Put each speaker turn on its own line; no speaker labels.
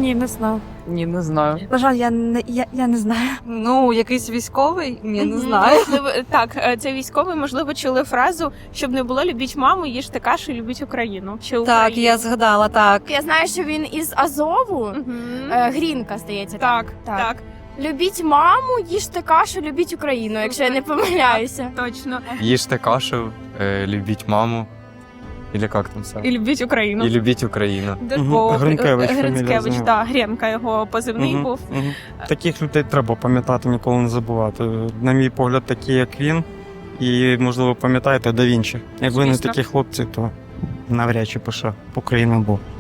Ні, не знаю.
Ні, не знаю.
На жаль, я не знаю.
Ну, якийсь військовий? Ні, не знаю.
Можливо, так, це військовий, можливо, чули фразу, щоб не було любіть маму, їжте кашу, любіть Україну. Чи
Так,
Україну.
я згадала, так.
Я знаю, що він із Азову.
Мгм.
Грінка, здається.
Так,
Так.
так,
Любіть маму, їжте кашу, любіть Україну, якщо я не помиляюся.
точно.
Їжте кашу, любіть маму. Или як там все?
І любіть Україну.
І любіть Україну.
Гринкевич фамілія
Гринкевич,
з нього.
так, Гренка його позивний був.
Таких людей треба пам'ятати, ніколи не забувати. На мій погляд, такі як він. І, можливо, пам'ятаєте Да Вінчі. Якби не
Звісно.
такі хлопці, то навряд чи б ще Україна був.